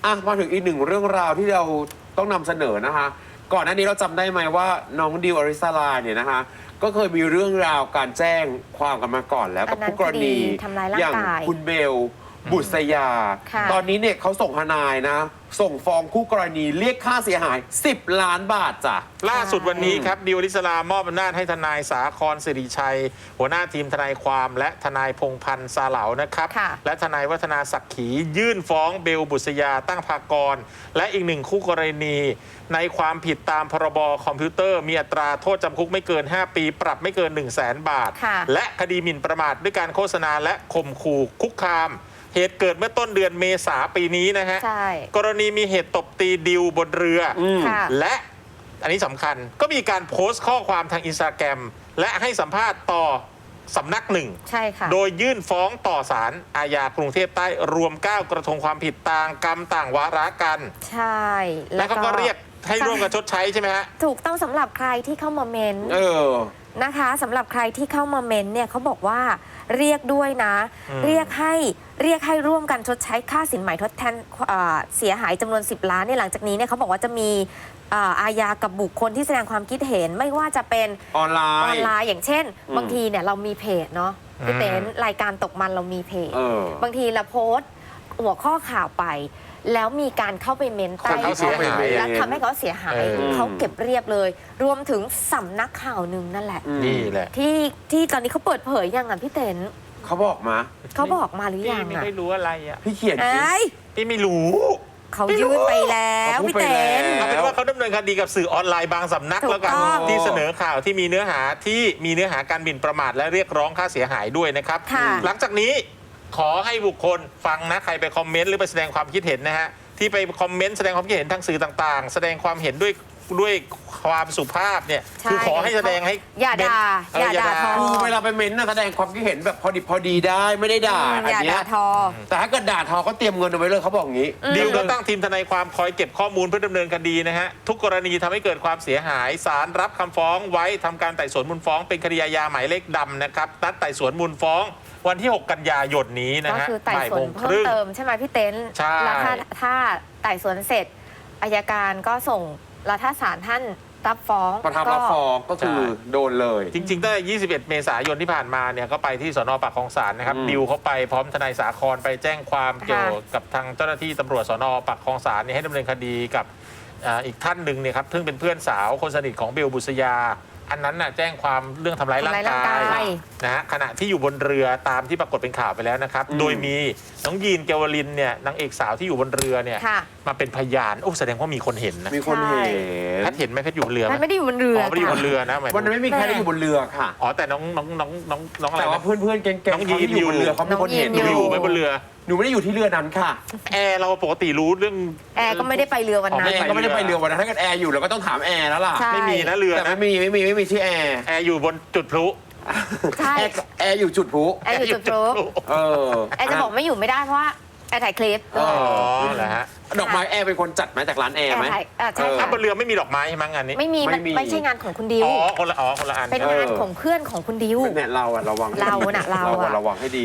มาถึงอีกหนึ่งเรื่องราวที่เราต้องนำเสนอนะคะ ก่อนหน้านี้เราจำได้ไหมว่าน้องดิวอริสราเนี่ยนะคะ ก็เคยมีเรื่องราวการแจ้งความกันมาก่อนแล้วกับผู้กรณีทำร้ายร่างกายอย่างคุณเบลบุษยาค่ะตอนนี้เนี่ยเขาส่งทนายนะ ส่งฟ้องคู่กรณีเรียกค่าเสียหาย 10 ล้านบาทจ้ะล่าสุดวันนี้ครับดิวอริสรามอบอำนาจให้ทนายสาครสิริชัย หัวหน้าทีมทนายความและทนายพงษ์พันธ์ซาเหลานะครับค่ะและทนายวัฒนาศักดิ์ขียื่นฟ้องเบลบุษยาตั้งภากร และอีกหนึ่งคู่กรณีในความผิดตามพรบคอมพิวเตอร์ มีอัตราโทษจำคุกไม่เกิน 5 ปี ปรับไม่เกิน 100,000 บาทค่ะและคดีหมิ่นประมาทด้วยการโฆษณาและข่มขู่คุกคาม เหตุเกิดเมื่อต้นเดือนเมษาปีนี้นะฮะใช่กรณีมีเหตุตบตีดิวบนเรืออค่ะและอันนี้สำคัญก็มีการโพสต์ข้อความทางอินสตาแกรมและให้สัมภาษณ์ต่อสำนักหนึ่งใช่ค่ะโดยยื่นฟ้องต่อศาลอาญากรุงเทพใต้รวม 9 กระทงความผิดต่างกรรมต่างวาระกันใช่แล้วเขาก็เรียกให้ร่วมกันชดใช้ใช่ไหมฮะถูกต้องสำหรับใครที่เข้ามาเมนต์เออนะคะสำหรับใครที่เข้ามาเมนต์เนี่ยเขาบอกว่าเรียกด้วยนะอืมเรียกให้ร่วมกันชดใช้ค่าสินไหมทดแทนเสียหายจำนวน 10 ล้านเนี่ยหลังจากนี้เนี่ยเขาบอกว่าจะมีอาญากับบุคคลที่แสดงความคิดเห็นไม่ว่าจะเป็นออนไลออนน์ไลน์อย่างเช่น บางทีเนี่ยเรามีเพจเนาะพี่เต้นรายการตกมันเรามีเพจเออบางทีเราโพสต์หัวข้อข่าวไป แล้วมีการเข้าไปเมนต์ใต้คนเขาเสียหายแล้วทำให้เขาเสียหายเออเขาเก็บเรียบเลย รวมถึงสำนักข่าวหนึ่งนั่นแหละนี่แหละที่ตอนนี้เขาเปิดเผยยังอ่ะพี่เต้นเขาบอกมาเขาบอกมาหรือยังไม่อ่ะได้รู้อะไรอ่ะพี่เขียนสิเอ้ยพี่ไม่รู้เขายื่นไปแล้วเขาพูดพี่ไปเต้นแล้วเอาเป็นว่าเขาดำเนินคดีกับสื่อออนไลน์บางสำนักถูกแล้วกันต้องที่เสนอข่าวที่มีเนื้อหาการหมิ่นประมาทและเรียกร้องค่าเสียหายด้วยนะครับค่ะหลังจากนี้ขอให้บุคคลฟังนะใครไปคอมเมนต์หรือไปแสดงความคิดเห็นนะฮะที่ไปคอมเมนต์แสดงความคิดเห็นทางสื่อต่างๆ แสดงความเห็นด้วยความสุภาพเนี่ยใช่คือขอให้แสดงให้อย่าด่าเอออย่าด่าทอคือเวลาไปเม้นต์นะแสดงความคิดเห็นแบบพอดีได้ไม่ได้ด่าอันอย่าเนี้ด่าย ทอแต่ถ้าเกิดด่าทอก็เตรียมเงินเอาไว้เลยเขาบอกอย่างนี้ดิวก็ตั้งทีมทนายความคอยเก็บข้อมูลเพื่อดำเนินคดีนะฮะทุกกรณีทำให้เกิดความเสียหายศาลรับคำฟ้องไว้ทำการไต่สวนมูลฟ้องเป็นคดีอาญาหมายเลขดำนะครับนัดไต่สวนมูลฟ้องวันที่ 6 กันยายนนี้นะก็ฮะคือไต่บ่ายสวโมนงคเพิ่มรึ่งเติมใช่ไหมพี่เต้นใช่แล้วถ้าไต่สวนเสร็จอายการก็ส่งแล้วถ้าศาลท่านรับฟ้องประทับรับฟ้องก็คือใช่โดนเลยจริงๆตั้งแต่21 เมษายนที่ผ่านมาเนี่ยก็ไปที่สนปากคลองศาลนะครับอืมดิวเขาไปพร้อมทนายสาครไปแจ้งความเกี่ยวกับทางเจ้าหน้าที่ตำรวจสนปากคลองศาลเนี่ยให้ดำเนินคดีกับอีกท่านหนึ่งเนี่ยครับซึ่งเป็นเพื่อนสาวคนสนิทของเบลบุษยา อันนั้นน่ะแจ้งความเรื่องทำร้ายร่างกายนะฮะขณะที่อยู่บนเรือตามที่ปรากฏเป็นข่าวไปแล้วนะครับ โดยมีน้องยีนเกวลินเนี่ยนางเอกสาวที่อยู่บนเรือเนี่ยค่ะมาเป็นพยานโอ้แสดงว่ามีคนเห็นนะมีคนเห็นแพทย์เห็นไหมแพทย์อยู่บนเรือไหมมันไม่ได้อยู่บนเรือไม่ได้อยู่บนเรือนะหมายถึงวันนั้นไม่มีใครได้อยู่บนเรือค่ะอ๋อแต่น้องอะไรแต่ว่านะเพื่อนๆแก๊งๆน้องยีนเขาที่อยู่บนเรือเขาเป็นคนเห็นหนูอยู่ไหมบนเรือหนูไม่ได้อยู่ที่เรือนั้นค่ะแอร์เราปกติรู้เรื่องแอร์ก็ไม่ได้ไปเรือวันอ๋อนั้แอน ร์ก็ไม่ได้ไปเรือวันนั้นถ้าเกิดแอร์อยู่เราก็ต้องถามแอร์แล้วล่ะใช่ไม่มีนะเรือแต่นะไม่มีที่แอร์แอร์อยู่บนจุดพลุใช่แอร์อยู่จุดพลุแอร์อยู่จุดพลุเออแอร์จะบอกไม่อยู่ไม่ได้เพราะว่าแอร์ถ่ายคลิปอ๋อ๋ออเหรอฮะดอกไม้แอร์เป็นคนจัดไหมจากร้านแอร์แอร์ไหมถ่ายใช่ถ้าค่ะบนเรือไม่มีดอกไม้ใช่ไหมงานนี้ไม่มีไม่มีไม่ใช่งานของคุณดิวคนละอันเป็นงานของเพื่อนของคุณดิวเนี่ยเราอะระวังเราน่ะเราอะระวังให้ดี